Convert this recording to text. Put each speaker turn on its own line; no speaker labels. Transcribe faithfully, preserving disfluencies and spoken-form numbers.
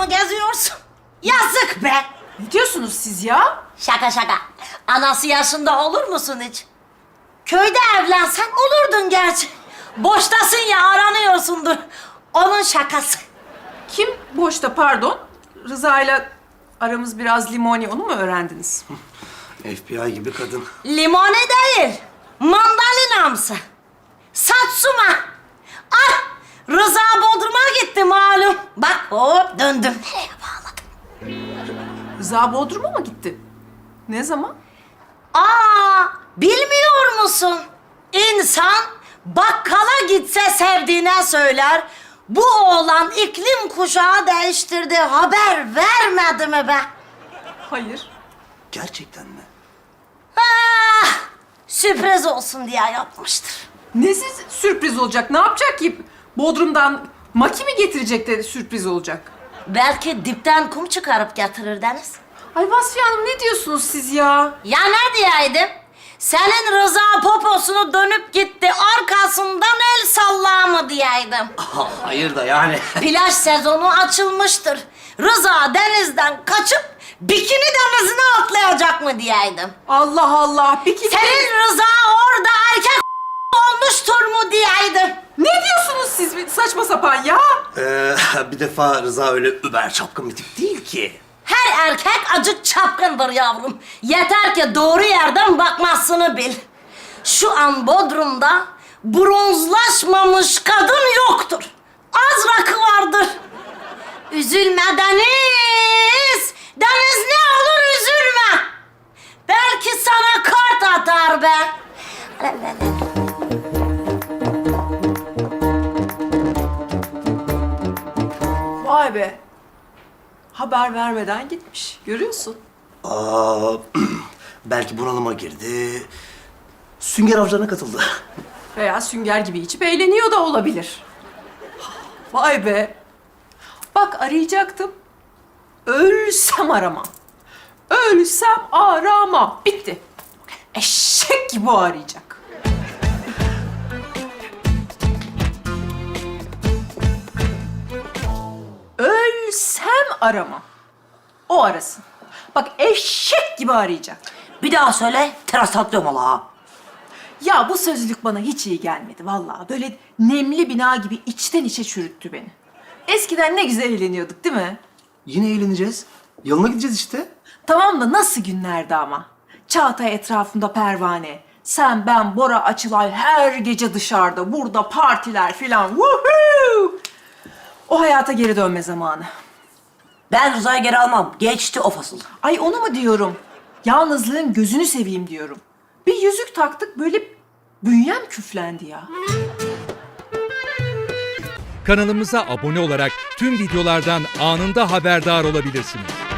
mı geziyorsun? Yazık be.
Ne diyorsunuz siz ya?
Şaka şaka. Anası yaşında olur musun hiç? Köyde evlensen olurdun gerçi. Boştasın ya, aranıyorsundur. Onun şakası.
Kim boşta pardon? Rıza ile aramız biraz limoni, onu mu öğrendiniz?
F B I gibi kadın.
Limone değil, mandalinamsı. Satsuma. Ah, Rıza Bodrum'a gitti malum. Bak hop döndüm. Nereye bağladım?
Rıza Bodrum'a mı gitti? Ne zaman?
Aa, bilmiyor musun? İnsan bakkala gitse sevdiğine söyler. Bu oğlan iklim kuşağı değiştirdi. Haber vermedi mi be?
Hayır.
Gerçekten mi?
Ah, sürpriz olsun diye yapmıştır.
Nesiz sürpriz olacak? Ne yapacak ki? Bodrum'dan maki mi getirecek de sürpriz olacak?
Belki dipten kum çıkarıp getirir Deniz.
Ay Vasfiye Hanım, ne diyorsunuz siz ya?
Ya ne diyeydim? Senin Rıza poposunu dönüp gitti, arkasından el salla mı diyeydim.
Hayır da yani.
Plaj sezonu açılmıştır. Rıza denizden kaçıp bikini denizine atlayacak mı diyeydim.
Allah Allah. Peki
Senin Rıza orada erkek olmuştur mu diyeydim.
ne diyorsunuz siz? Saçma sapan ya.
Ee, bir defa Rıza öyle über çapkın bir tip değil ki.
Her erkek acık çapkındır yavrum. Yeter ki doğru yerden bakmasını bil. Şu an Bodrum'da bronzlaşmamış kadın yoktur. Az rakı vardır. Üzülme Deniz. Deniz ne olur üzülme. Belki sana kart atar be.
Vay be. Haber vermeden gitmiş. Görüyorsun.
Aa, belki bunalıma girdi. Sünger avcılarına katıldı.
Veya sünger gibi içip eğleniyor da olabilir. Vay be. Bak, arayacaktım. Ölsem aramam. Ölsem aramam. Bitti. Eşek gibi arayacak. Ölsem aramam. O arasın. Bak, eşek gibi arayacak.
Bir daha söyle, teras atlıyorum Allah.
Ya bu sözlük bana hiç iyi gelmedi vallahi. Böyle nemli bina gibi içten içe çürüttü beni. Eskiden ne güzel eğleniyorduk değil mi?
Yine eğleneceğiz. Yoluna gideceğiz işte.
Tamam da nasıl günlerdi ama. Çağatay etrafında pervane. Sen, ben, Bora, Açılay her gece dışarıda. Burada partiler filan. Woohoo! O hayata geri dönme zamanı.
Ben Rıza'yı geri almam. Geçti o fasıl.
Ay onu mu diyorum? Yalnızlığın gözünü seveyim diyorum. Bir yüzük taktık, böyle bünyem küflendi ya.
Kanalımıza abone olarak tüm videolardan anında haberdar olabilirsiniz.